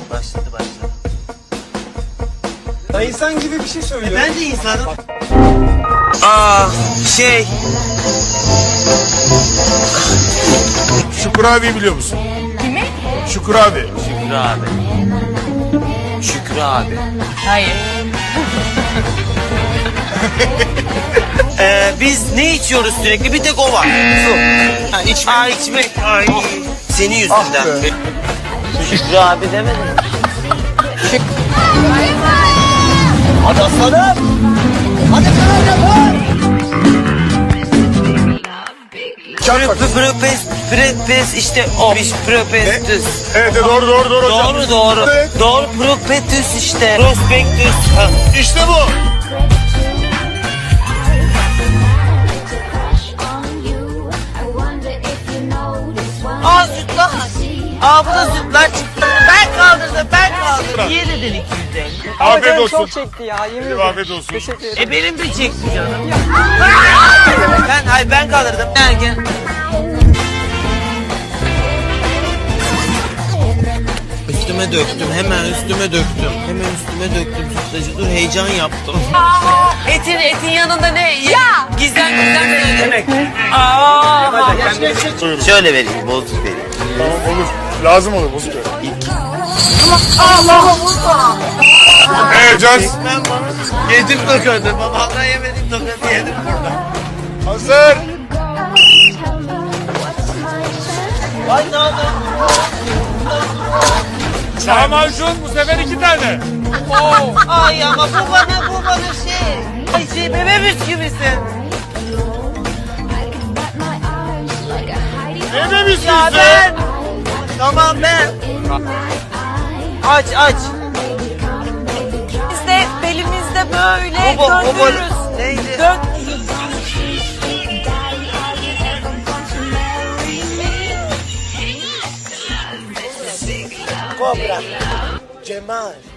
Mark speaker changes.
Speaker 1: Başladı.
Speaker 2: Ya insan gibi bir şey söylüyor.
Speaker 1: Ben de insanım.
Speaker 3: Şükrü abi biliyor musun?
Speaker 4: Kimi?
Speaker 3: Şükrü abi.
Speaker 1: Şükrü abi.
Speaker 4: Hayır.
Speaker 1: Biz ne içiyoruz sürekli? Bir tek o var. Su. Ha, içmek. Ay. Senin yüzünden. Şükrü abi demedin mi? Hadi aslanım. Hadi aslanım. Propes işte o. Propestüs.
Speaker 3: Evet doğru hocam.
Speaker 1: Doğru.
Speaker 3: Evet.
Speaker 1: Doğru propetüs işte. Prospektüs. Ha.
Speaker 3: İşte bu.
Speaker 1: Aa sütlaç. Aa bu da sütlaç çıktı. Ben kaldırdım. Niye dedin 250?
Speaker 3: Afiyet
Speaker 2: Canım
Speaker 3: olsun.
Speaker 2: çok çekti ya, yemin ederim.
Speaker 3: Afiyet olsun.
Speaker 2: Teşekkür ederim.
Speaker 1: Benim de çekti canım. Ben kaldırdım. Gel. Üstüme döktüm. Hemen üstüme döktüm sütlacı. Dur heyecan yaptım. Etin yanında ne? Ya! Gizem söylemek. Şöyle vereyim, bozuk vereyim.
Speaker 3: Tamam olur. Lazım olur bozuk ver. Can.
Speaker 1: Ben bana yedim tokadı. Babamdan yemedim tokadı yedim burada.
Speaker 3: Hazır.
Speaker 1: Ay ne oldu?
Speaker 3: Lahmacun bu sefer 2 tane.
Speaker 1: Ay ama bu bana şey. Ay bebe bisküvisi.
Speaker 3: Ne demişsin
Speaker 1: Ya ben. Tamam ben. Aç.
Speaker 4: Biz de belimizde böyle
Speaker 1: Bu
Speaker 4: döndürürüz.
Speaker 1: neydi? Kobra. Cemal.